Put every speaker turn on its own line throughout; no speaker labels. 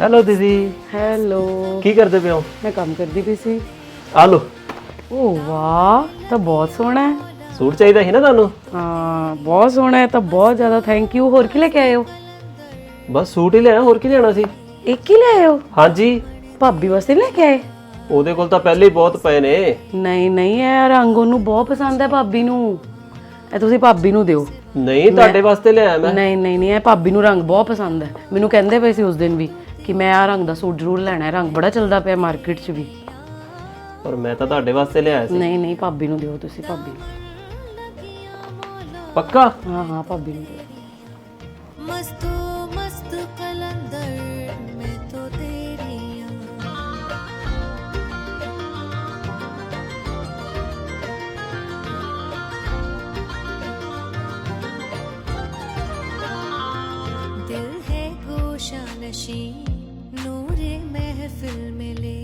Hello दीदी।
Hello.
की करते पे हो?
मैं काम करती पई सी।
आ लो।
ओ वाह, तो बहुत सोहना है।
सूट चाहिए ही ना ਤੁਹਾਨੂੰ?
हाँ बहुत सोहना है, तो बहुत ज़्यादा थैंक यू। होर की लेके आए हो?
बस सूट ही लिया, होर की लेना सी।
एक ही ले आए हो?
हाँ जी।
भाभी वास्ते लेके आए?
ਉਹਦੇ ਕੋਲ ਤਾਂ ਪਹਿਲੇ ਹੀ ਬਹੁਤ ਪਏ ਨੇ।
ਨਹੀਂ ਨਹੀਂ, ਇਹ ਰੰਗ ਉਹਨੂੰ ਬਹੁਤ ਪਸੰਦ ਹੈ ਭਾਬੀ ਨੂੰ। ਇਹ ਤੁਸੀਂ ਭਾਬੀ ਨੂੰ ਦਿਓ।
ਨਹੀਂ ਤੁਹਾਡੇ ਵਾਸਤੇ ਲਿਆਇਆ ਮੈਂ।
ਨਹੀਂ ਨਹੀਂ ਨਹੀਂ, ਇਹ ਭਾਬੀ ਨੂੰ ਰੰਗ ਬਹੁਤ ਪਸੰਦ ਹੈ। ਮੈਨੂੰ ਕਹਿੰਦੇ ਪਏ ਸੀ ਉਸ ਦਿਨ ਵੀ ਕਿ ਮੈਂ ਆ ਰੰਗ ਦਾ ਸੂਟ ਜ਼ਰੂਰ ਲੈਣਾ ਹੈ, ਰੰਗ ਬੜਾ ਚੱਲਦਾ ਪਿਆ ਮਾਰਕੀਟ 'ਚ ਵੀ।
ਪਰ ਮੈਂ ਤਾਂ ਤੁਹਾਡੇ ਵਾਸਤੇ ਲਿਆਇਆ ਸੀ।
ਨਹੀਂ ਨਹੀਂ, ਭਾਬੀ ਨੂੰ ਦਿਓ ਤੁਸੀਂ, ਭਾਬੀ ਨੂੰ।
ਪੱਕਾ?
ਹਾਂ ਹਾਂ, ਭਾਬੀ ਨੂੰ ਦਿਓ।
मस्तो मस्त कलंदर में तो तेरी दिल है गोशा नशी नूरे महफिल में ले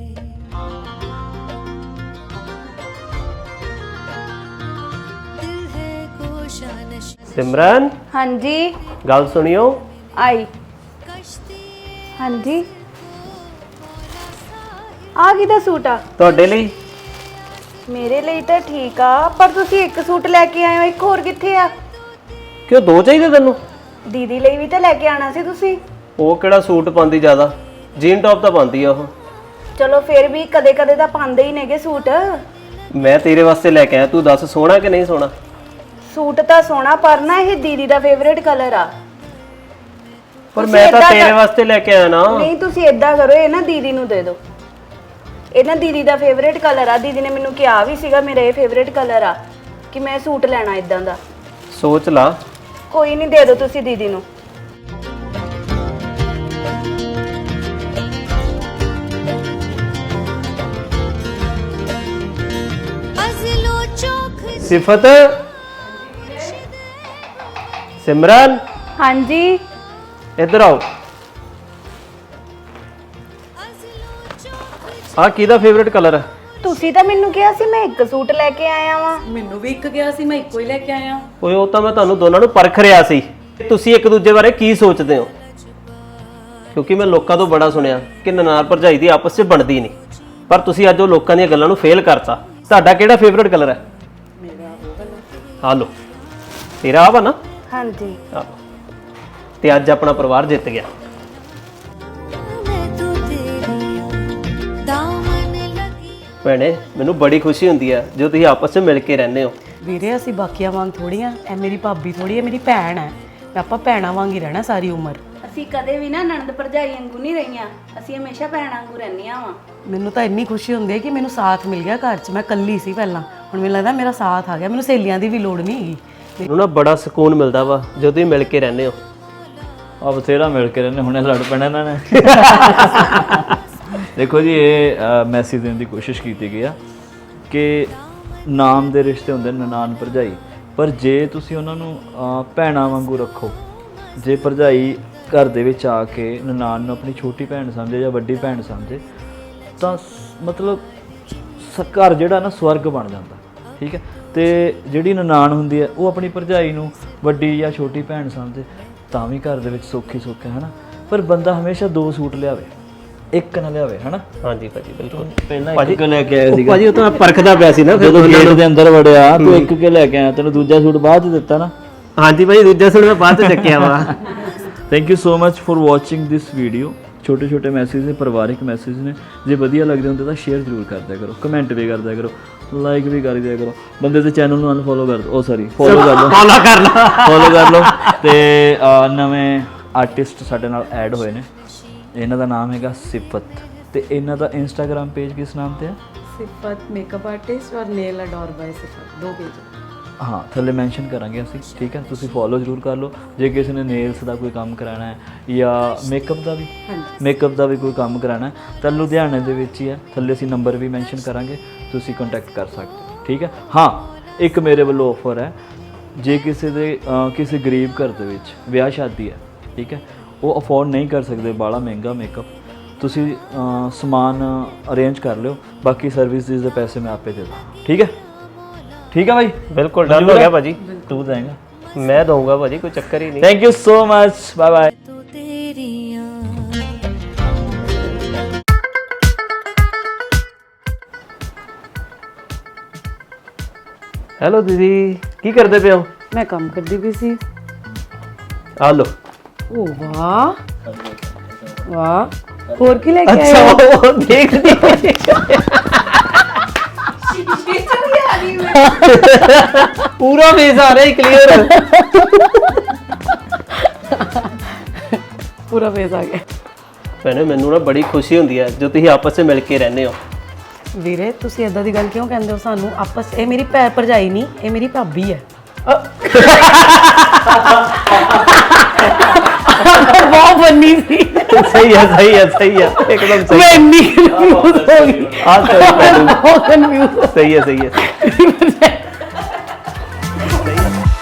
दिल है गोशा नशी।
सिमरन
हाँ जी
गल सुनियो।
आई। हाँ जी आ किदा सूट आ?
ਤੁਹਾਡੇ ਲਈ।
ਮੇਰੇ ਲਈ ਤਾਂ ਠੀਕ ਆ, ਪਰ ਤੁਸੀਂ ਇੱਕ ਸੂਟ ਲੈ ਕੇ ਆਏ ਹੋ, ਇੱਕ ਹੋਰ ਕਿੱਥੇ ਆ?
ਕਿਉਂ ਦੋ ਚਾਹੀਦੇ ਤੈਨੂੰ?
ਦੀਦੀ ਲਈ ਵੀ ਤਾਂ ਲੈ ਕੇ ਆਣਾ ਸੀ ਤੁਸੀਂ।
ਉਹ ਕਿਹੜਾ ਸੂਟ ਪਾਉਂਦੀ ਜ਼ਿਆਦਾ, ਜੀਨ ਟੌਪ ਤਾਂ ਪਾਉਂਦੀ ਆ ਉਹ।
ਚਲੋ ਫਿਰ ਵੀ ਕਦੇ ਕਦੇ ਤਾਂ ਪਾਉਂਦੇ ਹੀ ਨੇਗੇ ਸੂਟ।
ਮੈਂ ਤੇਰੇ ਵਾਸਤੇ ਲੈ ਕੇ ਆਇਆ, ਤੂੰ ਦੱਸ ਸੋਹਣਾ ਕਿ ਨਹੀਂ ਸੋਹਣਾ?
ਸੂਟ ਤਾਂ ਸੋਹਣਾ, ਪਰ ਨਾ ਇਹ ਦੀਦੀ ਦਾ ਫੇਵਰੇਟ ਕਲਰ ਆ।
ਪਰ
ਤੁਸੀਂ
ਮੈਂ ਤਾਂ
ਏਦਾਂ
ਤੇਰੇ
ਕਰ-
ਵਾਸਤੇ ਲੈ ਕੇ ਆਇਆ ਨਾ।
ਨਹੀਂ, ਤੁਸੀਂ ਏਦਾਂ ਕਰੋ, ਇਹ ਨਾ ਦੀਦੀ ਨੂੰ ਦੇ ਦਿਓ। ਇਹ ਨਾ ਦੀਦੀ ਦਾ ਫੇਵਰੇਟ ਕਲਰ ਆ। ਦੀਦੀ ਨੇ ਮੈਨੂੰ ਕਿਹਾ ਵੀ ਸੀਗਾ ਮੇਰਾ ਇਹ ਫੇਵਰੇਟ ਕਲਰ ਆ, ਕਿ ਮੈਂ ਸੂਟ ਲੈਣਾ ਇਦਾਂ ਦਾ।
ਸੋਚ ਲਾ।
ਕੋਈ ਨਹੀਂ, ਦੇ ਦਿਓ ਤੁਸੀਂ ਦੀਦੀ ਨੂੰ।
अज़लो चौक
सिफत, सिमरन
हाँ जी
इधर आओ। ਆ ਕਿਹਦਾ ਫੇਵਰਿਟ ਕਲਰ ਹੈ?
ਤੁਸੀਂ ਤਾਂ ਮੈਨੂੰ ਕਿਹਾ ਸੀ ਮੈਂ ਇੱਕ ਸੂਟ ਲੈ ਕੇ ਆਇਆ ਵਾਂ।
ਮੈਨੂੰ ਵੀ ਇੱਕ ਗਿਆ ਸੀ, ਮੈਂ ਇੱਕੋ ਹੀ ਲੈ ਕੇ ਆਇਆ।
ਓਏ ਉਹ ਤਾਂ ਮੈਂ ਤੁਹਾਨੂੰ ਦੋਨਾਂ ਨੂੰ ਪਰਖ ਰਿਹਾ ਸੀ ਤੁਸੀਂ ਇੱਕ ਦੂਜੇ ਬਾਰੇ ਕੀ ਸੋਚਦੇ ਹੋ, ਕਿਉਂਕਿ ਮੈਂ ਲੋਕਾਂ ਤੋਂ ਬੜਾ ਸੁਣਿਆ ਕਿ ਨਨਾਣ ਭਰਜਾਈ ਦੀ ਆਪਸ 'ਚ ਬਣਦੀ ਨਹੀਂ, ਪਰ ਤੁਸੀਂ ਅੱਜ ਉਹ ਲੋਕਾਂ ਦੀਆਂ ਗੱਲਾਂ ਨੂੰ ਫੇਲ ਕਰਤਾ। ਤੁਹਾਡਾ ਕਿਹੜਾ ਫੇਵਰਿਟ ਕਲਰ ਹੈ?
ਮੇਰਾ ਉਹ ਵਾਲਾ।
ਆ ਲਓ, ਤੇਰਾ ਆ ਵਾ ਨਾ?
हाँ जी।
ਆ ਲਓ। ਤੇ ਅੱਜ ਆਪਣਾ ਪਰਿਵਾਰ ਜਿੱਤ ਗਿਆ।
मैं तो तेरी दामन लगी
ਭੈਣੇ ਮੈਨੂੰ ਬੜੀ ਖੁਸ਼ੀ ਹੁੰਦੀ ਹੈ ਜੋ ਤੁਸੀਂ ਆਪਸ 'ਚ ਮਿਲ ਕੇ ਰਹਿੰਦੇ ਹੋ।
ਵੀਰੇ ਅਸੀਂ ਬਾਕੀਆਂ ਵਾਂਗ ਥੋੜੀਆਂ, ਇਹ ਮੇਰੀ ਭਾਬੀ ਥੋੜੀ ਹੈ, ਮੇਰੀ ਭੈਣ ਹੈ। ਤੇ ਆਪਾਂ ਭੈਣਾਂ ਵਾਂਗ ਹੀ ਰਹਿਣਾ ਸਾਰੀ ਉਮਰ।
ਅਸੀਂ ਕਦੇ ਵੀ ਨਾ ਨਣਦ ਭਰਜਾਈ ਵਾਂਗੂ ਨਹੀਂ ਰਹੀਆਂ, ਅਸੀਂ ਹਮੇਸ਼ਾ ਭੈਣਾਂ ਵਾਂਗੂ ਰਹਿੰਦੀਆਂ ਵਾਂ।
ਮੈਨੂੰ ਤਾਂ ਇੰਨੀ ਖੁਸ਼ੀ ਹੁੰਦੀ ਹੈ ਕਿ ਮੈਨੂੰ ਸਾਥ ਮਿਲ ਗਿਆ ਘਰ 'ਚ। ਮੈਂ ਇਕੱਲੀ ਸੀ ਪਹਿਲਾਂ, ਹੁਣ ਮੈਨੂੰ ਲੱਗਦਾ ਮੇਰਾ ਸਾਥ ਆ ਗਿਆ, ਮੈਨੂੰ ਸਹੇਲੀਆਂ ਦੀ ਵੀ ਲੋੜ ਨਹੀਂ ਹੈਗੀ।
ਮੈਨੂੰ ਨਾ ਬੜਾ ਸਕੂਨ ਮਿਲਦਾ ਵਾ ਜਦੋਂ ਤੁਸੀਂ ਮਿਲ ਕੇ ਰਹਿੰਦੇ ਹੋ।
ਆ ਬਥੇਰਾ ਮਿਲ ਕੇ ਰਹਿੰਦੇ, ਹੁਣੇ ਲੜ ਪੈਣਾ ਇਹਨਾਂ ਨੇ। ਦੇਖੋ ਜੀ, ਇਹ ਮੈਸੇਜ ਦੇਣ ਦੀ ਕੋਸ਼ਿਸ਼ ਕੀਤੀ ਗਈ ਆ ਕਿ ਨਾਮ ਦੇ ਰਿਸ਼ਤੇ ਹੁੰਦੇ ਨਨਾਣ ਭਰਜਾਈ, ਪਰ ਜੇ ਤੁਸੀਂ ਉਹਨਾਂ ਨੂੰ ਭੈਣਾਂ ਵਾਂਗੂ ਰੱਖੋ, ਜੇ ਭਰਜਾਈ ਘਰ ਦੇ ਵਿੱਚ ਆ ਕੇ ਨਨਾਣ ਨੂੰ ਆਪਣੀ ਛੋਟੀ ਭੈਣ ਸਮਝੇ ਜਾਂ ਵੱਡੀ ਭੈਣ ਸਮਝੇ, ਤਾਂ ਮਤਲਬ ਘਰ ਜਿਹੜਾ ਨਾ ਸਵਰਗ ਬਣ ਜਾਂਦਾ। ਠੀਕ ਹੈ, ਤੇ ਜਿਹੜੀ ਨਨਾਣ ਹੁੰਦੀ ਹੈ ਉਹ ਆਪਣੀ ਭਰਜਾਈ ਨੂੰ ਵੱਡੀ ਜਾਂ ਛੋਟੀ ਭੈਣ ਸਮਝੇ, ਤਾਂ ਵੀ ਘਰ ਦੇ ਵਿੱਚ ਸੌਖੀ ਸੁੱਖ ਹੈ ਹਨਾ। ਪਰ ਬੰਦਾ ਹਮੇਸ਼ਾ ਦੋ ਸੂਟ ਲਿਆਵੇ, ਇੱਕ ਨਾ ਲਿਆਵੇ ਹਨਾ।
ਹਾਂਜੀ ਭਾਜੀ ਬਿਲਕੁਲ।
ਪਹਿਲਾਂ ਇੱਕ ਲੈ ਕੇ ਆਇਆ ਸੀਗਾ
ਭਾਜੀ ਉਹ ਤਾਂ ਮੈਂ ਪਰਖਦਾ ਪਿਆ ਸੀ ਨਾ ਫਿਰ
ਜਦੋਂ
ਦੋਨਾਂ
ਗੇਟ
ਨੂੰ।
ਦੇ ਅੰਦਰ ਵੜਿਆ, ਤੂੰ ਇੱਕ ਕੇ ਲੈ ਕੇ ਆਇਆ, ਤੈਨੂੰ ਦੂਜਾ ਸੂਟ ਬਾਅਦ ਚ ਦਿੱਤਾ ਨਾ।
ਹਾਂਜੀ ਭਾਜੀ, ਦੂਜਾ ਸੂਟ ਮੈਂ ਬਾਅਦ 'ਚ ਚੱਕਿਆ ਵਾ।
Thank you so much for watching this video. ਛੋਟੇ ਛੋਟੇ ਮੈਸੇਜ ਨੇ, ਪਰਿਵਾਰਿਕ ਮੈਸੇਜ ਨੇ, ਜੇ ਵਧੀਆ ਲੱਗਦੇ ਹੁੰਦੇ ਤਾਂ ਸ਼ੇਅਰ ਜ਼ਰੂਰ ਕਰ ਦਿਆ ਕਰੋ, ਕਮੈਂਟ ਵੀ ਕਰ ਦਿਆ ਕਰੋ, ਲਾਈਕ ਵੀ ਕਰ ਦਿਆ ਕਰੋ। ਬੰਦੇ ਦੇ ਚੈਨਲ ਨੂੰ ਅਨਫੋਲੋ ਕਰ ਦਿਓ, ਫੋਲੋ ਕਰ ਲਓ,
ਫੋਲੋ ਕਰ ਲਾ।
ਫੋਲੋ ਕਰ ਲਓ। ਤੇ ਨਵੇਂ ਆਰਟਿਸਟ ਸਾਡੇ ਨਾਲ ਐਡ ਹੋਏ ਨੇ, ਇਹਨਾਂ ਦਾ ਨਾਮ ਹੈਗਾ ਸਿਫਤ, ਤੇ ਇਹਨਾਂ ਦਾ ਇੰਸਟਾਗ੍ਰਾਮ ਪੇਜ ਕਿਸ ਨਾਮ ਤੇ ਹੈ?
ਸਿਫਤ ਮੇਕਅਪ ਆਰਟਿਸਟ ਔਰ ਨੇਲ ਅਡੋਰ ਬਾय ਸਿਫਤ, ਦੋ ਪੇਜ।
ਹਾਂ, ਥੱਲੇ ਮੈਂਸ਼ਨ ਕਰਾਂਗੇ ਅਸੀਂ। ਠੀਕ ਹੈ, ਤੁਸੀਂ ਫੋਲੋ ਜ਼ਰੂਰ ਕਰ ਲਓ। ਜੇ ਕਿਸੇ ਨੇ ਨੇਲਸ ਦਾ ਕੋਈ ਕੰਮ ਕਰਾਉਣਾ ਹੈ ਜਾਂ ਮੇਕਅਪ ਦਾ ਵੀ, ਮੇਕਅਪ ਦਾ ਵੀ ਕੋਈ ਕੰਮ ਕਰਾਉਣਾ ਹੈ ਤਾਂ ਲੁਧਿਆਣੇ ਦੇ ਵਿੱਚ ਹੀ ਹੈ। ਥੱਲੇ ਅਸੀਂ ਨੰਬਰ ਵੀ ਮੈਂਸ਼ਨ ਕਰਾਂਗੇ, ਤੁਸੀਂ ਕੰਟੈਕਟ ਕਰ ਸਕਦੇ ਹੋ। ਠੀਕ ਹੈ, ਹਾਂ ਇੱਕ ਮੇਰੇ ਵੱਲੋਂ ਆਫਰ ਹੈ, ਜੇ ਕਿਸੇ ਦੇ ਕਿਸੇ ਗਰੀਬ ਘਰ ਦੇ ਵਿੱਚ ਵਿਆਹ ਸ਼ਾਦੀ ਹੈ, ਠੀਕ ਹੈ, ਉਹ ਅਫੋਰਡ ਨਹੀਂ ਕਰ ਸਕਦੇ ਬਾਹਲਾ ਮਹਿੰਗਾ ਮੇਕਅਪ, ਤੁਸੀਂ ਸਮਾਨ ਅਰੇਂਜ ਕਰ ਲਿਓ, ਬਾਕੀ ਸਰਵਿਸਿਜ਼ ਦੇ ਪੈਸੇ ਮੈਂ ਆਪੇ ਦੇ ਦਾਂ। ਠੀਕ ਹੈ, ਠੀਕ ਹੈ ਭਾਈ,
ਬਿਲਕੁਲ ਡਨ ਹੋ ਗਿਆ ਭਾਜੀ।
ਤੂੰ ਦੇਂਗਾ?
मैं दूंगा भाजी, कोई चक्कर ही नहीं।
Thank you so much, bye bye.
तो तेरी
ਹੈਲੋ ਦੀਦੀ, ਕੀ ਕਰਦੇ ਪਏ ਹੋ?
ਮੈਂ ਕੰਮ ਕਰਦੀ ਪਈ ਸੀ।
ਆ ਲੋ।
ਓ ਵਾਹ ਵਾਹ, ਹੋਰ ਕੀ ਲੈ ਕੇ ਆਏ
ਅੱਛਾ,
ਹੋ?
ਉਹ ਦੇਖਦੀ ਪੂਰਾ ਫੇਸ ਆ ਰਿਹਾ ਕਲੀਅਰ।
ਪੂਰਾ ਫੇਸ ਆ ਗਿਆ।
ਭੈਣੇ ਮੈਨੂੰ ਨਾ ਬੜੀ ਖੁਸ਼ੀ ਹੁੰਦੀ ਹੈ ਜੋ ਤੁਸੀਂ ਆਪਸ ਵਿੱਚ ਮਿਲ ਕੇ ਰਹਿੰਦੇ ਹੋ।
ਵੀਰੇ ਤੁਸੀਂ ਏਦਾਂ ਦੀ ਗੱਲ ਕਿਉਂ ਕਹਿੰਦੇ ਹੋ ਸਾਨੂੰ? ਆਪਸ, ਇਹ ਮੇਰੀ ਭਰਜਾਈ ਨਹੀਂ, ਇਹ ਮੇਰੀ ਭਾਬੀ ਹੈ। ਬਹੁਤ ਬੰਨੀ ਸੀ।
ਸਹੀ ਹੈ, ਸਹੀ ਹੈ, ਸਹੀ ਹੈ, ਇੱਕਦਮ ਸਹੀ।
ਮੈਂ ਇੰਨੀ confused ਹੋ ਗਈ।
ਆ ਸਹੀ
ਬਹੁਤ confused
ਸਹੀ ਹੈ, ਸਹੀ ਹੈ।